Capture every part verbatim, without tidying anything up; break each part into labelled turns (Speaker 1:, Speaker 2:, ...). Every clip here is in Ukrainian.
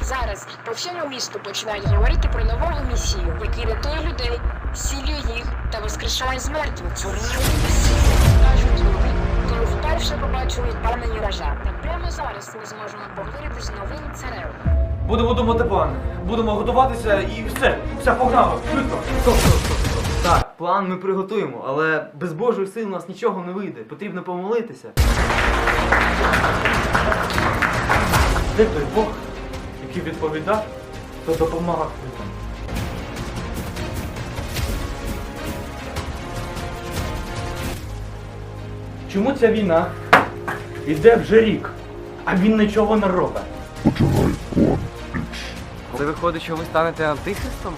Speaker 1: Зараз по всьому місту починають говорити про нового месію, який рятує людей, зцілює їх та воскрешає з мертвих. Цурнівий месія, кажуть люди, коли вперше побачили пана Єража. Та прямо зараз ми зможемо поговорити з новим царем.
Speaker 2: Будемо думати план. Будемо готуватися і все. Все, погнали. Швидко.
Speaker 3: Стоп, стоп, стоп, стоп. Так, план ми приготуємо, але без Божої сили у нас нічого не вийде. Потрібно помолитися.
Speaker 2: Де той Бог, який відповідав, то допомагав людям? Чому ця війна іде вже рік, а він нічого не робить?
Speaker 4: Це виходить, що ви станете антихристом?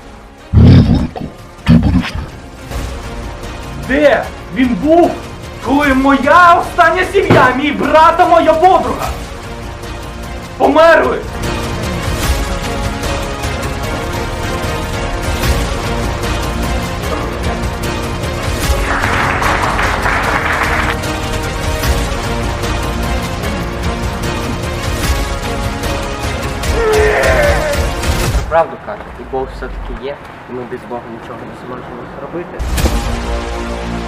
Speaker 2: Де він був, коли моя остання сім'я, мій брат та моя подруга померли?
Speaker 4: Правду кажуть, і Бог все-таки є, і ми без Бога нічого не зможемо зробити.